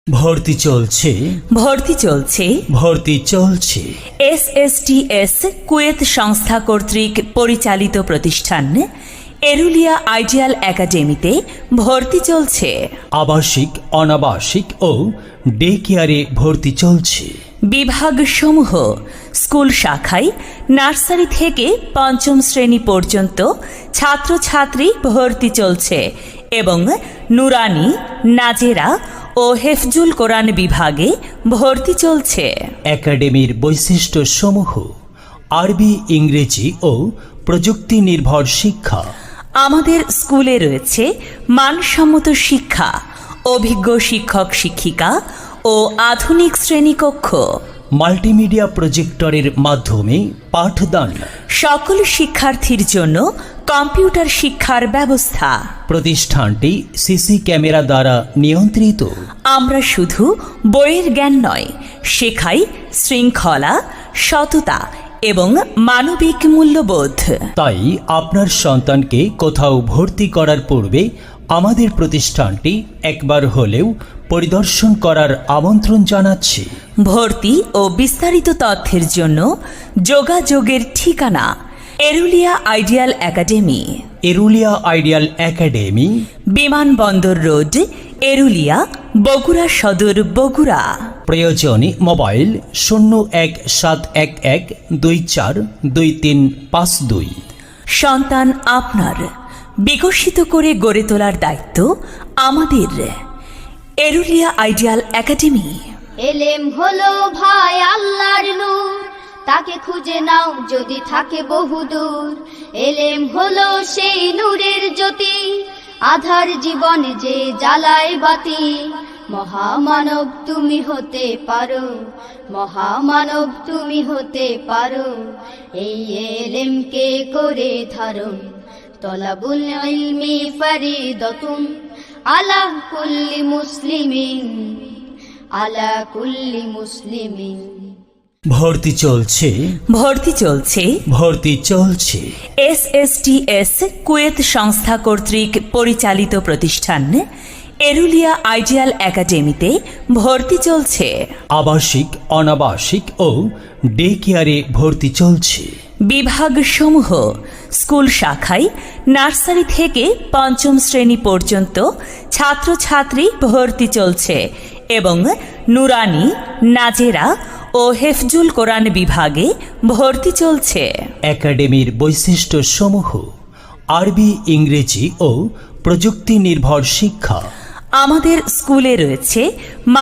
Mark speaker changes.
Speaker 1: ভর্তি চলছে
Speaker 2: ভর্তি চলছে
Speaker 1: ভর্তি চলছে
Speaker 2: এসএসটিএস কুয়েত সংস্থা কর্তৃক পরিচালিত প্রতিষ্ঠান এরুলিয়া আইডিয়াল একাডেমিতে ভর্তি চলছে।
Speaker 1: আবাসিক, অনাবাসিক ও ডে কেয়ারে ভর্তি চলছে।
Speaker 2: বিভাগসমূহ স্কুল শাখায় নার্সারি থেকে পঞ্চম শ্রেণী পর্যন্ত ছাত্রছাত্রী ভর্তি চলছে এবং নুরানি, নাজেরা ও হেফজুল কোরআন বিভাগে ভর্তি চলছে।
Speaker 1: একাডেমির বৈশিষ্ট্য সমূহ: আরবি, ইংরেজি ও প্রযুক্তি নির্ভর শিক্ষা।
Speaker 2: আমাদের স্কুলে রয়েছে মানসম্মত শিক্ষা, অভিজ্ঞ শিক্ষক শিক্ষিকা ও আধুনিক শ্রেণীকক্ষ।
Speaker 1: মাল্টিমিডিয়া প্রজেক্টরের মাধ্যমে পাঠদান।
Speaker 2: সকল শিক্ষার্থীর জন্য কম্পিউটার শিক্ষার ব্যবস্থা।
Speaker 1: প্রতিষ্ঠানটি সিসি ক্যামেরা দ্বারা নিয়ন্ত্রিত।
Speaker 2: আমরা শুধু বইয়ের জ্ঞান নয়, শেখাই শৃঙ্খলা, সততা এবং মানবিক মূল্যবোধ।
Speaker 1: তাই আপনার সন্তানকে কোথাও ভর্তি করার পূর্বে আমাদের প্রতিষ্ঠানটি একবার হলেও পরিদর্শন করার আমন্ত্রণ জানাচ্ছি।
Speaker 2: ভর্তি ও বিস্তারিত তথ্যের জন্য যোগাযোগের ঠিকানা Erulia ideal academy,
Speaker 1: Erulia ideal academy,
Speaker 2: বিমানবন্দর রোড, এরুলিয়া, বগুড়া সদর, বগুড়া।
Speaker 1: প্রয়োজনে মোবাইল 0171242352।
Speaker 2: সন্তান আপনার, বিকশিত করে গড়ে তোলার দায়িত্ব আমাদের। Erulia ideal academy.
Speaker 3: এলেম হলো ভাই আল্লাহর নূর, তাকে খুঁজে নাও যদি থাকে বহুদূর। এলেম হলো সেই নূরের জ্যোতি, আধার জীবনে যে জ্বালায় বাতি। মহামানব তুমি হতে পারো, মহামানব তুমি হতে পারো। এই এলেমকে করে ধারণ, তলাবুল ইলমি ফরিদাতুন আলা কুল্লি মুসলিমিন, আলা কুল্লি মুসলিমিন।
Speaker 1: ভর্তি চলছে
Speaker 2: ভর্তি চলছে
Speaker 1: ভর্তি চলছে
Speaker 2: এসএসটিএস কুয়েত সংস্থা কর্তৃক পরিচালিত প্রতিষ্ঠান এরুলিয়া আইডিয়াল একাডেমিতে ভর্তি চলছে।
Speaker 1: আবাসিক, অনাবাসিক ও ডে কেয়ারে ভর্তি চলছে।
Speaker 2: বিভাগসমূহ স্কুল শাখায় নার্সারি থেকে পঞ্চম শ্রেণী পর্যন্ত ছাত্রছাত্রী ভর্তি চলছে এবং নুরানি, নাজেরা ও হেফজুল কোরআন বিভাগে ভর্তি চলছে।
Speaker 1: একাডেমির বৈশিষ্ট্য সমূহ: আরবি, ইংরেজি ও প্রযুক্তি নির্ভর শিক্ষা।
Speaker 2: আমাদের স্কুলে রয়েছে